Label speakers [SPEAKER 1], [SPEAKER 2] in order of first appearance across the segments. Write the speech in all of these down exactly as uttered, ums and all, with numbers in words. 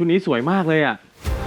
[SPEAKER 1] ชุดนี้สวยมากเลยอ่ะ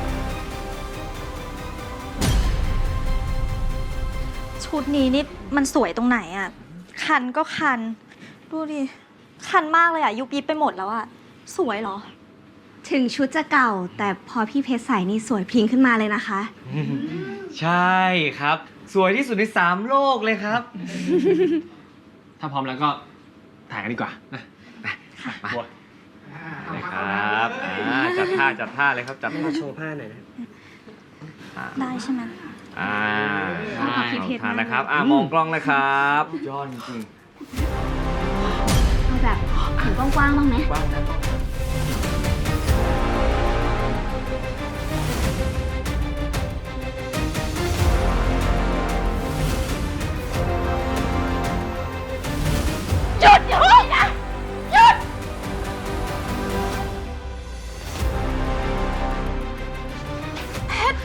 [SPEAKER 2] ชุดนี้นี่มันสวยตรงไหนอ่ะคันก็คันดูดิคันมากเลยอ่ะยุบยิบไปหมดแล้วอ่ะสวยเหรอ
[SPEAKER 3] ถึงชุดจะเก่าแต่พอพี่เพชรใส่นี่สวยพริ้งขึ้นมาเลยนะคะ
[SPEAKER 4] ใช่ครับสวยที่สุดในสามโลกเลยครับ
[SPEAKER 1] ถ้าพร้อมแล้วก็ถ่ายกันดีกว่านะมาเลยครับอ่าจัดท่าจัดท่าเลยครับจัดท่าโชว์ผ้าหน่อยนะ
[SPEAKER 2] ได้ใช่ไหม
[SPEAKER 1] อ่า
[SPEAKER 3] ขอบคุณพี่เพชร
[SPEAKER 1] ทานนะครับอ่ามองกล้องนะครับยอดจริง
[SPEAKER 3] เอาแบบถือกว้างๆบ้างไหม
[SPEAKER 1] กว้างนะ
[SPEAKER 2] หยุดอย่าพูดนะหยุดเพชร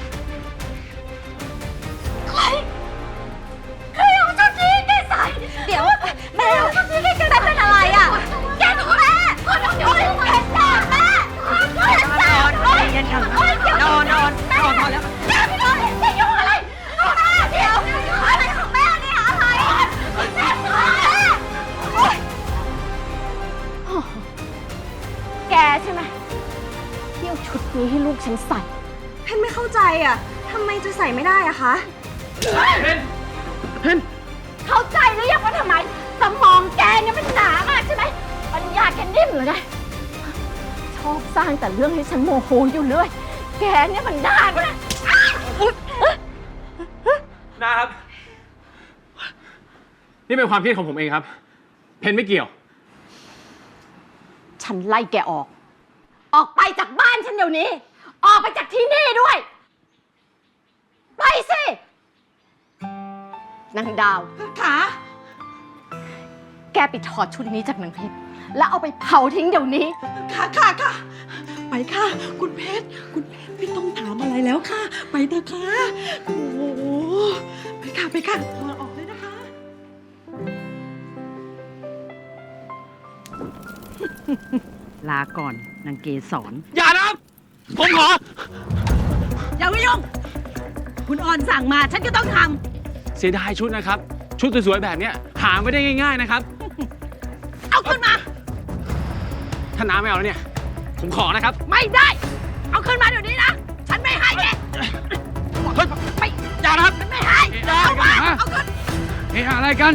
[SPEAKER 2] ใครใครเอาชุดนี้แกใส่เดี๋ยวแม่เอาชุดนี้แกใส่เป็นอะไรอ่ะแกถูกแม่คนเอาอยู่เพชรแม่แม่เพชรแม่โอ๊ยโอ๊ยเดี๋ยวนอนนอนนอนพอแล้วแม่ไม่นอนจะยุ่งอะไรแม่เดี๋ยวอะไรของแม่เนี่ยอะไรแม่แม่โอ๊ยแกใช่ไหมที่เอาชุดนี้ให้ลูกฉันใส่
[SPEAKER 3] เพนไม่เข้าใจอ่ะทำไมจะใส่ไม่ได้อะคะ
[SPEAKER 1] เพนเพน
[SPEAKER 2] เข้าใจหรือยังว่าทำไมสมองแกเนี่ยมันหนามากใช่ไหมปัญญาแกนิ่มเหรือไงชอบสร้างแต่เรื่องให้ฉันโมโหอยู่เรื่อยแกเนี่ยมันด้านนะ
[SPEAKER 1] นะครับ นี่เป็นความคิดของผมเองครับ เพนไม่เกี่ยว
[SPEAKER 2] ฉันไล่แกออก ออกไปจากบ้านฉันเดี๋ยวนี้ ออกไปจากที่นี่ด้วย ไปสินางดาวขาแกไปถอดชุดนี้จากนางเพชรแล้วเอาไปเผาทิ้งเดี๋ยวนี้
[SPEAKER 5] ค่ะค่ะค่ะไปค่ะ คุณเพชรคุณเพชรไม่ต้องถามอะไรแล้วค่ะ ไปเถอะค่ะโอ้โหไปค่ะไปค่ะถอดออกเลยนะคะ
[SPEAKER 6] ลาก่อนนางเกสร
[SPEAKER 1] อย่านะครับ ผมขอ
[SPEAKER 6] อย่ามายุ่งคุณออนสั่งมาฉันก็ต้องท
[SPEAKER 1] เสียดายชุดนะครับ ชุดสวยๆแบบเนี้ยหาไม่ได้ง่ายๆนะครับ
[SPEAKER 6] ำเอาขึ้นมา
[SPEAKER 1] ถ้าน้าไม่เอาแล้วเนี่ย ผมขอนะครับ
[SPEAKER 6] ไม่ได้ เอาขึ้นมาเดี๋ยวนี้นะ ฉันไม่ให้แก
[SPEAKER 1] เฮ้ยไม่อย่านะครับ
[SPEAKER 6] ฉันไม่ให้
[SPEAKER 1] อย่า
[SPEAKER 6] เอามา
[SPEAKER 1] อย่า
[SPEAKER 6] เอาขึ้น
[SPEAKER 1] เฮ้ยอะไรกัน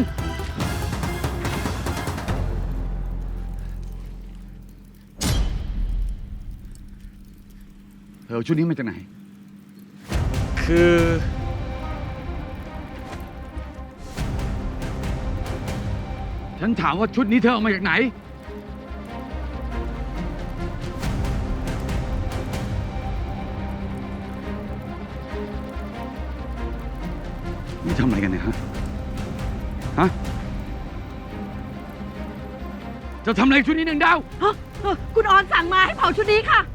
[SPEAKER 7] เธอเอาชุดนี้มาจากไหน
[SPEAKER 1] คือ
[SPEAKER 7] ฉันถามว่าชุดนี้เธอเอามาจากไหน นี่ทำอะไรกันเนี่ยฮะ ฮะ จะทำอะไรชุดนี้หนึ่งดาว
[SPEAKER 6] ฮะเออคุณออนสั่งมาให้เผาชุดนี้ค่ะ